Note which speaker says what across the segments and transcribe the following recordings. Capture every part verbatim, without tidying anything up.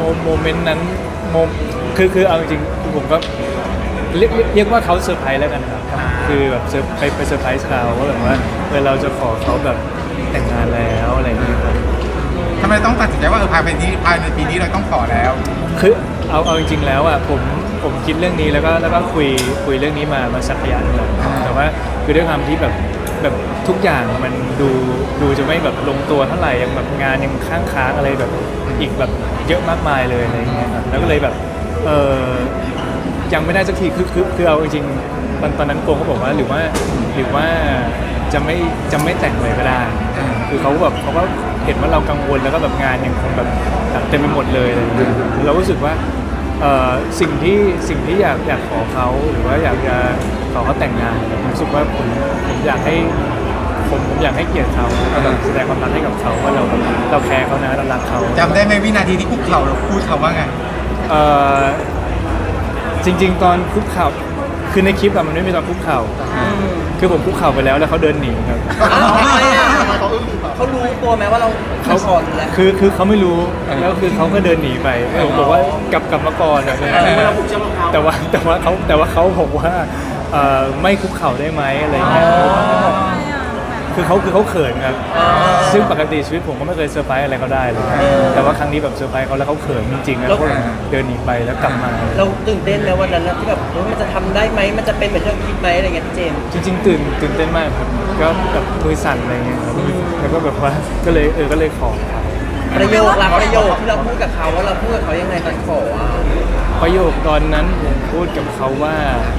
Speaker 1: โมเมนต์นั้นโมคือคือเอาจริงๆผมก็เรียกเรียกว่าเขาเซอร์ไพรส์แล้วกันครับคือแบบเซอร์ไปไปเซอร์ไพรส์เขาว่าแบบว่าเออเราจะขอเขาแบบแต่งงานแล้วอะไรอย่างเงี้ยครับ
Speaker 2: ทำไมต้องตัดสินใจว่าเออภายในนี้ภายในปีนี้เราต้องขอแล้ว
Speaker 1: คือเอาเอาจริงๆแล้วอ่ะผมผมคิดเรื่องนี้แล้วก็แล้วก็คุยคุยเรื่องนี้มามาสักระยะหนึงแล้วแต่ว่าคือด้วยความที่แบบแบบทุกอย่างมันดูดูจะไม่แบบลงตัวเท่าไหร่ยังแบบงานยังค้างค้างอะไรแบบอีกแบบเยอะมากมายเลยอะไรอย่างเงี้ยครับแล้วก็เลยแบบเออยังไม่ได้สักทีคือคือคือเอาจริงๆตอนตอนนั้นโกงเขาบอกว่าหรือว่าหรือว่าจะไม่จะไม่แต่งเลยก็ได้คือเขาแบบเขาก็เห็นว่าเรากังวลแล้วก็แบบงานยังคงแบบเต็มไปหมดเลยอะไรอย่างเงี้ยเรารู้สึกว่าเอ่อสิ่งที่สิ่งที่อยากอยากขอเขาหรือว่าอยากจะขอเขาแต่งงานผมรู้สึกว่าผมผมอยากให้ผมผมอยากให้เกียรติเขาแล้วก็แสดงความรักให้กับเขาว่าเราเราแคร์เขานะเรารักเขา
Speaker 2: จำได้ไหมวินาทีที่คุกเข่าเราพูดคำว่าไง
Speaker 1: เอ่อจริงๆตอนคุกเข่าคือในคลิปอะมันไม่มีตอนคุกเข่าคือผมคุกเข่าไปแล้วแล้วเขาเดินหนีครับ
Speaker 3: เขารู้ตัวไหมว่าเราเขาก่อนแล้ว
Speaker 1: คือคือเขาไม่รู้แล้วคือเขาก็เดินหนีไปผมบอกว่ากลับกลับมาก่อนอะแต่ว่าแต่ว่าเขาแต่ว่าเขาบอกว่าไม่คุกเข่าได้ไหมอะไรเงี้ยคือเขาคือเขาเขินครับซึ่งปกติชีวิตผมก็ไม่เคยเซอร์ไพรส์อะไรเขาได้เลยแต่ว่าครั้งนี้แบบเซอร์ไพรส์เขาแล้วเขาเขินจริงๆแล้วก็เดินหนีไปแล้วกลับมา
Speaker 3: เราตื่นเต้นไหมวันนั้นที่แบบมันจะทำได้ไหมมันจะเป็นเหมือนที่เราคิดไหมอะไรเงี้ยพี่เจมส์
Speaker 1: จริงๆตื่นตื่นเต้นมากครับก็แบบมือสั่นอะไรเงี้ยครับแล้วก็แบบว่าก็เลยเออก็เลยขอ
Speaker 3: ประโยคหลักประโยคที่เราพูดกับเขาว่าเราพูดกับเขายังไงตอนขอ
Speaker 1: ประโยคตอนนั้นผมพูดกับเขาว่า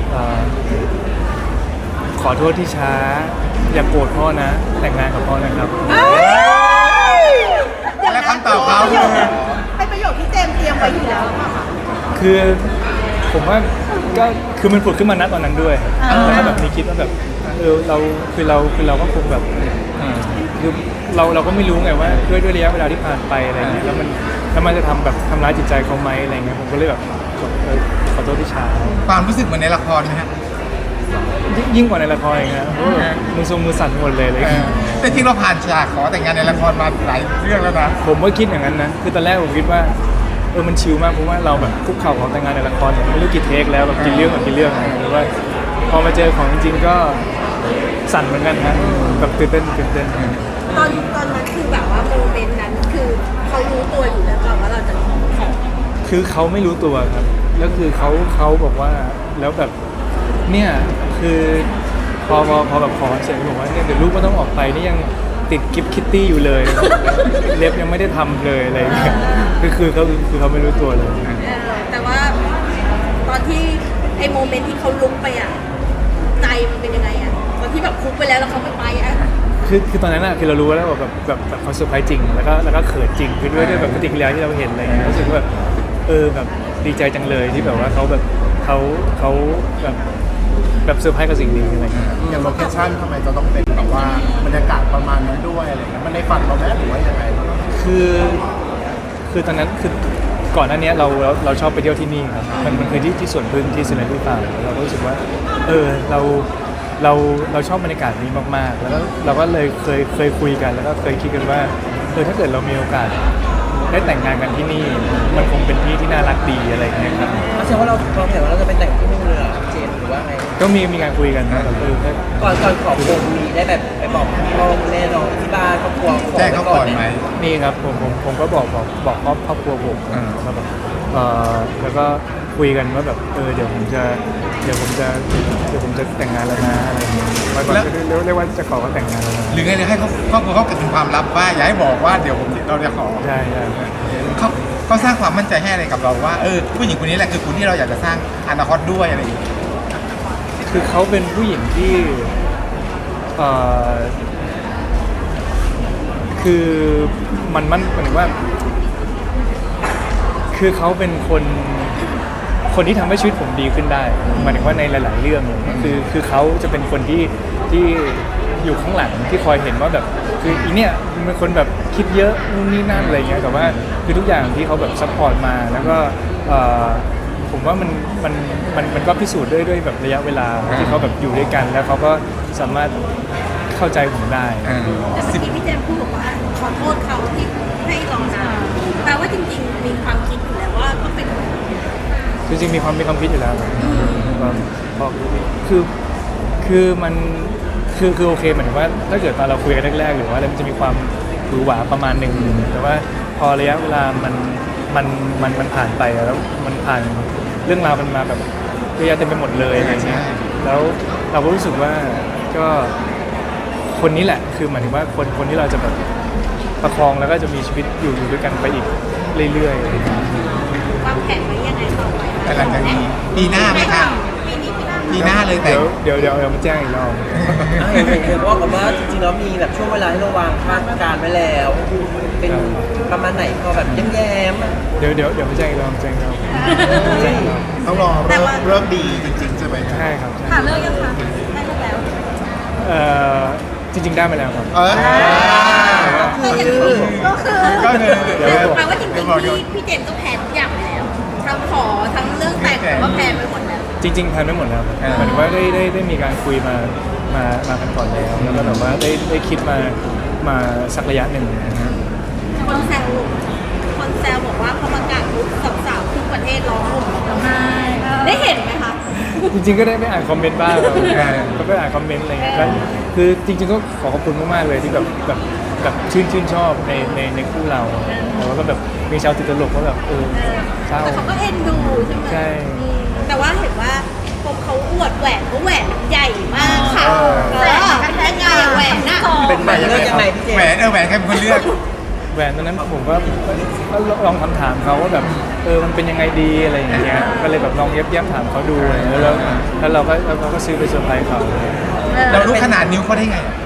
Speaker 1: ขอโทษที่ช้าอย่าโกรธพ่อนะแต่งงานกับพ่อนะครับ
Speaker 2: และคำตอบเขาคือ
Speaker 4: เป็นประโยคที่เจมเตรียมไว้อยู่แล้วค่ะ
Speaker 1: คือผมว่าก็คือมันผุดขึ้นมาณตอนนั้นด้วยแล้วก็แบบมีคิดว่าแบบเออเราคือเราคือเราก็คงแบบคือเราเราก็ไม่รู้ไงว่าด้วยด้วยระยะเวลาที่ผ่านไปอะไรเงี้ยแล้วมันแล้วมันจะทำแบบทำร้ายจิตใจเขาไหมอะไรเงี้ยผมก็เลยแบบขอโทษที่ช้า
Speaker 2: ความรู้สึกเหมือนในละครไหมฮะ
Speaker 1: ยิ่งกว่าในละครอีกนะมือทรงมือสั่นหมดเลยเลย
Speaker 2: แต่ที่เราผ่านฉากขอแต่งงานในละครมาหลายเรื่องแล้วนะ
Speaker 1: ผมก็คิดอย่างนั้นนะคือตอนแรกผมคิดว่าเออมันชิลมากเพราะว่าเราแบบคุกเข่าขอแต่งงานในละครไม่รู้กี่เทคแล้วแบบกี่เรื่องกับกี่เรื่องหรือว่าพอมาเจอของจริงๆก็สั่นเหมือนกันฮะแบบตื่นเต้นตื่นเต้น
Speaker 4: ตอนตอนนั้นคือแบบว่าโมเมนต์นั้นคือเขารู้ตัวอยู่แล้วก่อนว่าเราจะขอ
Speaker 1: คือเขาไม่รู้ตัวครับแล้วคือเขาเขาบอกว่าแล้วแบบเนี่ยคือพอพอพอแบบขอเสร็จบอกว่าเนี่ยเดี๋ยวลูกก็ต้องออกไปนี่ยังติดกิฟต์คิตตี้อยู่เลยเล็บยังไม่ได้ทำเลยอะไรอย่างเงี้ยคือคือเขาคือเขาไม่รู้ตัวเลย
Speaker 4: แต่ว่าตอนที่ไอ้โมเมนต์ที่เขาลุกไปอ่ะใจมันเป็นยังไงอ่ะตอนที่แบบคุกไปแล้วแล้วเขาไม่ไปอ่ะ
Speaker 1: คือคือตอนนั้นอะคือเรารู้แล้วแบบแบบแบบเขาเซอร์ไพรส์จริงแล้วก็แล้วก็เขินจริงคือด้วยด้วยแบบปฏิกิริยาที่เราเห็นอะไรเงี้ยรู้สึกว่าแบบเออแบบดีใจจังเลยที่แบบว่าเขาแบบเขาเขาแบบแบบเซอร์ไพรส์กับสิ่งนี้อะไรเงี้ย
Speaker 2: อย่างโลเคชั่นทำไมจะต้องเป็นแบบว่าบรรยากาศประมาณนั้นด้วยอะไรเงี้ยมันในฝันเราไหมหรือว่ายังไง
Speaker 1: คือคือตอนนั้นคือก่อนหน้านี้เราเราเราชอบไปเที่ยวที่นี่ครับมันมันคือที่ที่สวนพึ่งที่สิริลุตาเราก็รู้สึกว่าเออเราเราเราชอบบรรยากาศนี้มากๆแล้วก็เราก็เลยเคยเคยคุยกันแล้วก็เคยคิดกันว่าเออถ้าเกิดเรามีโอกาสได้แต่งงานกันที่นี่มันคงเป็นที่ที่น่ารักดีอะไรอย่างเงี้ยครับ
Speaker 3: แสดงว่าเราเราเห็นว่าเราจะไปแต่งที่นู่นเลยเจมหรือว่าไง
Speaker 1: ก็มีมีการคุยกันนะแบบเออ
Speaker 3: ก่อนก่อนขอคงมีได้แบบไปบอกพ่อแม่น้องที่บ้านครอบครัว
Speaker 2: แจ้งเขาก่อนไหม
Speaker 1: นี่ครับผมผมผมก็บอกบอกบอกครอบครอบครัวผมว่าแบบเออแล้วก็คุยกันว่าแบบเออเดี๋ยวผมจะเดี๋ยวผมจะเดี๋ยวผมจะแต่งงานแล้วนะอะไรอย่างเงี้ยว่าเรียกว่าจะขอเขาแต่งงานแล้วนะ
Speaker 2: หรือไงหรือให้เขาครอบครัวเขาเก็บเป็นความลับว่าอย่าให้บอกว่าเดี๋ยวผมเราจะขอ
Speaker 1: ใช่ใช่
Speaker 2: เขาเขาสร้างความมั่นใจให้อะไรกับเราว่าเออผู้หญิงคนนี้แหละคือคนที่เราอยากจะสร้างอนาคตด้วยอะไรอย่างเงี้ย
Speaker 1: คือเขาเป็นผู้หญิงที่เอ่อคือมันมันเหมือนว่าคือเขาเป็นคนคนที่ทำให้ชีวิตผมดีขึ้นได้หมายถึงว่าในหลายๆเรื่องเลยคือคือเขาจะเป็นคนที่ที่อยู่ข้างหลังที่คอยเห็นว่าแบบคืออีเนี่ยเป็นคนแบบคิดเยอะนู่นนี่นั่นอะไรเงี้ยแต่ว่าคือทุกอย่างที่เขาแบบซัพพอร์ตมาแล้วก็ผมว่ามันมันมันมันก็พิสูจน์ด้วยด้วยแบบระยะเวลาที่เขาแบบอยู่ด้วยกันแล้วเขาก็สามารถเข้าใจผมได้
Speaker 4: แต่เมื่อกี้พี่เจมส์พูดบอกว่าขอโทษเขาที่ให้ลองทำแปลว่าจริงๆมีความคิดอยู่แล้ว
Speaker 1: จริงๆมีความมีความคิดอยู่แล้วครับความพอคือคือมันคือคือโอเคเหมือนว่าถ้าเกิดตอนเราคุยกันแรกๆหรือว่าอะไรมันจะมีความหวือหวาประมาณหนึ่งแต่ว่าพอระยะเวลามันมันมันมันผ่านไปแล้วมันผ่านเรื่องราวมันมาแบบเยอะแยะเต็มไปหมดเลยอะไรเงี้ยแล้วเราก็รู้สึกว่าก็คนนี้แหละคือหมายถึงว่าคนคนที่เราจะแบบประคองแล้วก็จะมีชีวิตอยู่อยู่ด้วยกันไปอีกเรื่อยๆ
Speaker 4: วางแผนไว้ยังไงต่อไป
Speaker 2: แต่หลังจากนี้ปีหน้าไหมคะ
Speaker 4: ปีนี้ปีหน้า
Speaker 2: ปีหน้าเลยแต่
Speaker 1: เดี๋ยวเดี๋ยวเดี๋ยวเดี๋ยวมาแจ้งอีกรอบ
Speaker 3: อ่ะเห็นเห็นเห็นว่ากับว่าจริงๆแล้วมีแบบช่วงเวลาที่เราวางคาดการณ์ไว้แล้ว เป็นประมาณไหนพอแบบแย้มๆอ่ะ
Speaker 1: เดี๋ยวเดี๋ยวเดี๋ยวมาแจ้งอีกรอบแจ้งอีกรอบแจ้งอีกรอบ
Speaker 5: ต้องรอเริ่มเริ่มดีจริงๆใช่ไหม
Speaker 1: ใช่ครับใช่
Speaker 4: หาเลิกยังคะได้เลิกแล้ว
Speaker 1: เอ่อจริง ๆ ได้มาแล้วครับ
Speaker 5: เออ
Speaker 4: ก็คือก็คือ
Speaker 2: ก็คือ
Speaker 1: เดี๋ยว
Speaker 4: แปลว่าจริงๆพี่พี่เจมส์ก็แพลนทุกอย่างไปแล้วทั้งขอทั้งเรื่องแต่งก็แพลนไปหมดแล้ว
Speaker 1: จริงๆแพลนไม่หมดแล้วครับหมายถึงว่าได้ได้ได้มีการคุยมามามากันก่อนแล้วแล้วก็แบบว่าได้ได้คิดมามาสักระยะหนึ่งนะครับ
Speaker 4: คนแซวคนแซวบอกว่าพอประกาศปุ๊บสาวๆทุกประเทศร้องห่มร้องไห้ได้เห็นไหมคะ
Speaker 1: จริงๆก็ได้ไปอ่านคอมเมนต์บ้างครับก็ไปอ่านคอมเมนต์อะไรเงี้ยก็คือจริงๆก็ขอขอบคุณมากๆเลยที่แบบแบบแบบชื่นชื่นชอบในในในคู่เราแล้วก็แบบมีชาวติดตลกว่าแบบเออเศร้า
Speaker 4: แต่เขาก็เอ็นดูใช่ไหม
Speaker 1: ใช่
Speaker 4: อืมแต่ว่าเห็นว่าผมเขาอวดแหวนเขาแหวนใหญ่มากค่ะ
Speaker 2: เออ
Speaker 4: แหวนยังไงแหวนน่ะ
Speaker 3: เป็นแบบเลือกยังไงพี่เจม
Speaker 2: แหวน
Speaker 3: ส์
Speaker 2: เออแหวนใครเป็นคนเลือก
Speaker 1: แหวนตอนนั้นผมก็ก็ลองคำถามเขาว่าแบบเออมันเป็นยังไงดีอะไรอย่างเงี้ยก็เลยแบบลองเย็บย้ำถามเขาดูอะไรเงี้ยแล้วแล้วเราก็แล้วเราก็ซื้อไปเซอร์ไพรส์เขา
Speaker 2: เรารู้ขนาดนิ้วเขาได้ไงอะ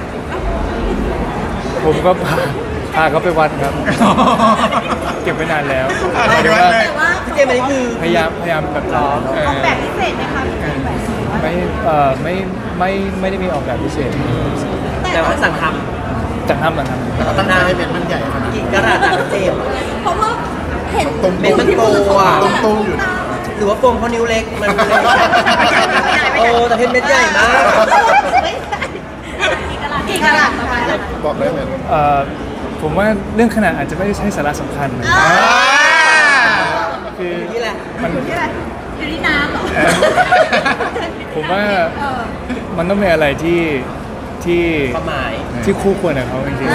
Speaker 1: ผมก็พาพาเขาไปวัดครับ เก็บไว้นานแล้ว
Speaker 2: อะไรดีวะเลย
Speaker 4: แต่ว่า
Speaker 3: พี่เจมส์อันนี้คือ
Speaker 1: พยายามพยายามแบบล้อ
Speaker 2: เออ
Speaker 4: ออกแบบพิเศษไหมคะพี่เจมส์แหวน
Speaker 1: ไม่เอ่อไม่ไม่ไม่ได้มีออกแบบพิเศษ
Speaker 3: แต่ว่าสั่งท
Speaker 1: จากทำหลังท
Speaker 5: เราตั้งใจให้เม็ดมันใหญ่ขนาด
Speaker 3: ำกี่กระดาษอ่ะพี่เจมส์
Speaker 4: เพราะว่าเห็น
Speaker 5: ตรง
Speaker 3: เป็นมันโตอ่ะ
Speaker 5: ตรงตรงอยู่นะ
Speaker 3: หรือว่าโฟมเขานิ้วเล็กมันเลยโอ้แต่เพชรเม็ดใหญ่มาก
Speaker 4: ไม่ใช่กี่กะลัดประมาณนั้น
Speaker 5: บอกได้ไหม
Speaker 1: ำเอ่อผมว่าเรื่องขนาดอาจจะไม่ใช่สาระสำคัญนะ
Speaker 2: อ่า
Speaker 1: คือ
Speaker 3: นี่แหละ
Speaker 1: มัน
Speaker 4: อยู่ที่อะไรอยู่ที่น้ำเหรอ
Speaker 1: ผมว่า
Speaker 4: เออ
Speaker 1: มันต้องเป็นอะไรที่ที่
Speaker 3: ความหมาย
Speaker 1: ที่คู่ควรกับเขาจริงๆ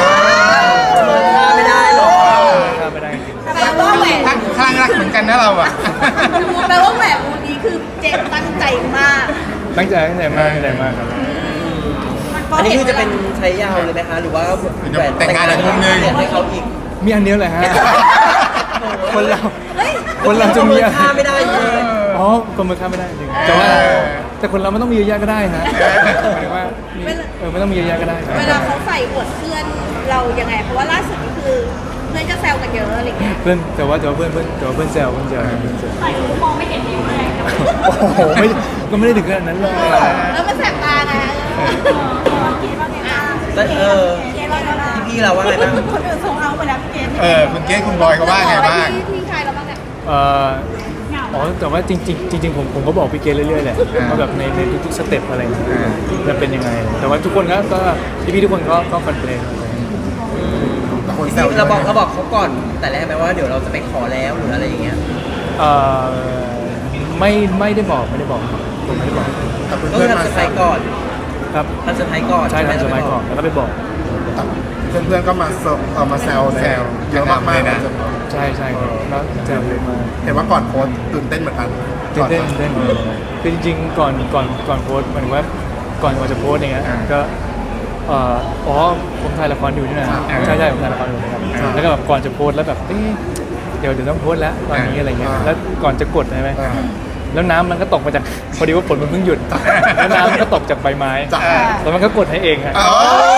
Speaker 3: ไม่ได้หรอก
Speaker 1: ข้ามไม่ได้จริง
Speaker 4: แปลว่าแหวน
Speaker 2: ข้างข้างรักเหมือนกันนะเราอ่ะ
Speaker 4: แปลว่าแหวนวงนี้คือเจมส์ตั้งใจมาก
Speaker 1: ตั้งใจตั้งใจมากตั้งใจมากครับ
Speaker 3: อันนี้คือจะเป็นใช้ยาวเลยไหมคะ หรือว่าแหวน
Speaker 2: แต่งงานอีกมุมนึง
Speaker 3: เปลี่ยนให้เขาอีก
Speaker 1: มีอันเดียวเลยฮะ คนเรา
Speaker 4: เฮ้ย
Speaker 1: คนเราจะมีอะไร
Speaker 3: ค่าไม่ได้เลย
Speaker 1: อ๋อคนมือข้ามไม่ได้จริงแต่ว่าแต่คนเราไม่ต้องมีเยอะแยะก็ได้ฮะหมายถึงว่ามีเออไม่ต้องมีเยอะแยะก็ได้ครับ
Speaker 4: เวลาเขาใส่อวดเพื่อนเรายังไง เพราะว่าล่าสุดนี่คือเพื่อนก็แซวกันเยอะอะไรเงี้ย
Speaker 1: เพื่อนแต่ว่าแต่ว่าเพื่อนเพื่อนแต่ว่าเพื่อนแซวเพื่อนแซวเพื่อนแซว
Speaker 4: ใส่หูมองไม่เห็นนิ้วเลย
Speaker 1: โอ้โหไม่ก็ไม่ได้ถึงขนาดนั้นเลย
Speaker 4: แล้วมันแสบตาไงคิดว่าไงบ้าง
Speaker 3: แต่เออ
Speaker 4: คิดว่าไงบ้าง
Speaker 3: พี่เราว่าไงบ้าง
Speaker 4: คนอื่นส่งเอาไปแล้วพี่เจมส์
Speaker 2: เออคุณเกศคุณบอยเขาว่าไงบ้าง
Speaker 4: ที่ที่ใครเราบ้างเนี่ย
Speaker 1: เอ่ออ๋อแต่ว่าจริงจริงจริงๆผมผมก็บอกพี่เกรซเรื่อยๆแหละว่าแบบในในทุกๆสเต็ปอะไรอย่างเงี้ยจะเป็นยังไง แต่ว่าทุกคนก็ก็พี่พี่ๆทุกคนก็ก็คอนเทนต์
Speaker 5: แต่คน
Speaker 3: พี่
Speaker 5: แซว
Speaker 3: เราบอกเราบอกเขาก่อน แต่แรกไหมว่าเดี๋ยวเราจะไปขอแล้วหรืออะไรอย่างเงี้ย
Speaker 1: เอ่อไม่ไม่ได้บอกไม่ได้บอกครับผมไม่ได้บอก
Speaker 5: แต่
Speaker 3: ก็
Speaker 5: เพื่
Speaker 3: คือ
Speaker 5: อนๆมา
Speaker 3: ทำเซอร์
Speaker 5: แซ
Speaker 3: ไพร
Speaker 5: ว
Speaker 3: ส์ก่อน
Speaker 1: ครับ
Speaker 3: ทำเซอร์ไพรส์ก่อน
Speaker 1: ใช่ทำสมัยก่อนแล้วก็ไปบอก
Speaker 5: เพื่อนๆก็มาเซอร์เอ่อมาแซว
Speaker 2: แซว
Speaker 5: เยอะมากๆ
Speaker 2: เลยนะ
Speaker 1: ใช่ใช่ครับแล้วแซวเยอะมาก
Speaker 5: เห็นว่าก่อนโพสต์ตื่นเต้นเหมือนกัน
Speaker 1: ตื่นเต้นตื่นเต้นคือจริงๆก่อนก่อนก่อนโพสต์หมายถึงว่าก่อนก่อนจะโพสต์อย่างเงี้ยก็เอ่ออ๋อผมถ่ายละครอยู่นี่นะใช่ใช่ผมถ่ายละครอยู่นะครับแล้วก็แบบก่อนจะโพสต์แล้วแบบเอ๊ะเดี๋ยวเดี๋ยวต้องโพสต์แล้วตอนนี้อะไรเงี้ยแล้วก่อนจะกดใช่ไหม
Speaker 5: อ่า
Speaker 1: แล้วน้ำมันก็ตกมาจากพอดีว่าฝนมันเพิ่งหยุดแล้วน้ำมันก็ตกจากใบไม้
Speaker 5: จ้ะ
Speaker 1: แล้วมันก็กดให้เองฮะ
Speaker 2: อ๋อ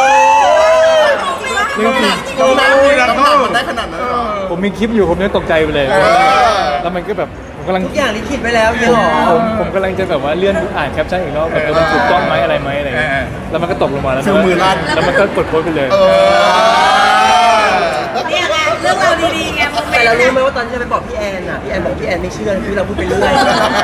Speaker 1: เรื่องจริง
Speaker 5: ตรงนั้นมีน้ำหนักมันได้ขนาดนั้นเหรอ
Speaker 1: ผมมีคลิปอยู่ผมยังตกใจไปเลย
Speaker 2: เออ
Speaker 1: แล้วมันก็แบบผมกำลัง
Speaker 3: ทุกอย่างที่คิดไว้แล้วเนี่ยหรอ
Speaker 1: ผมผมกำลังจะแบบว่าเลื่อนอ่านแคปชั่นอีกรอบแบบเออมันถูกต้องไหมอะไรไหมอะไรเงี้ย
Speaker 2: เออ
Speaker 1: แล้วมันก็ตกลงมาแล้ว
Speaker 5: ฟิลมือลั่น
Speaker 1: แล้วมันก็กดโพสต์ไปเลย
Speaker 5: เออ
Speaker 4: เนี่ยไงเรื่องเราวดีๆไงโมเม
Speaker 3: แต่
Speaker 4: น
Speaker 3: เรา
Speaker 4: ต์
Speaker 3: รู้ไหม
Speaker 4: น่ะ
Speaker 3: ว่าตอนที่จะไปบอกพี่แอนอ่ะ พี่แอนบอกพี่แอนไม่เชื่อคือเราพูดไปเรื่อย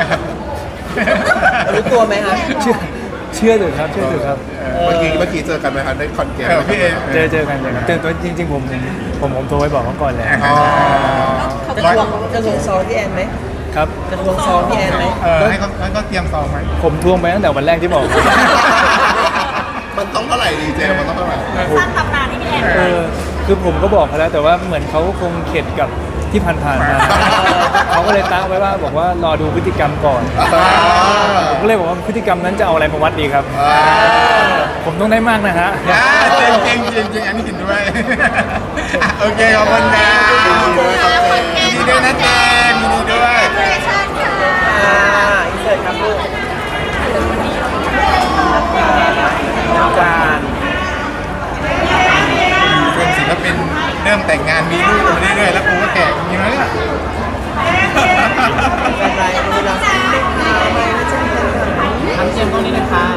Speaker 3: รู้ตัวไหมคะ
Speaker 1: เชื่อเชื่อเถอะครับเชื่อเถอะครับ
Speaker 5: เมื่อกี้เมื่อกี้เจอกันไหมคะได้คอนเกม
Speaker 2: เออพี่เอ
Speaker 1: เจอเจอกันเจอกันแต่ตัวจริง ๆ ผมผมผมผมโทรไปบอกเขาก่อนแหละ
Speaker 2: อ๋อ
Speaker 4: เขา
Speaker 3: จะ
Speaker 4: จะ
Speaker 3: ท
Speaker 4: บ
Speaker 3: ว
Speaker 4: อง ก
Speaker 3: จะทวงซองพี่แอนไหม
Speaker 1: ครับ
Speaker 3: จะทวงซองพี่แอนไหม
Speaker 2: เออให้เขาให้เขาเตรียมซองไหม
Speaker 1: ผมทวงไปตั้งแต่วันแรกที่บอก
Speaker 5: มันต้องเท่าไหร่ดีเจมันต้องเท่าไหร่
Speaker 4: สร้างตำนานให้พี่แอน
Speaker 1: เออคือผมก็บอกเขาแล้วแต่ว่าเหมือนเขาคงเข็ดกับที่ผ่านๆมา เขาก็เลยตั้งไว้ว่าบอกว่ารอดูพฤติกรรมก่อน ผมก็เลยบอกว่าพฤติกรรมนั้นจะเอาอะไรมาวัดดีครับ ผมต้องได้มากนะฮะ
Speaker 2: อ่าจริงจริงจริงอันนี้กินด้วยอ่ะโอเคขอบคุณนะยินดีด้วยนะเจมส์ยินดีด้วย
Speaker 3: อ่าอินเสิร์ตครับลูกน้ำการ
Speaker 2: เป็นศิลปินเริ่มแต่งงานมีลูกมาเรื่อยๆแล้วกูก็แก่จริงๆแล้วเนี่ย
Speaker 3: กำไรดูแลทำเจมส์ตรงนี้นะคะ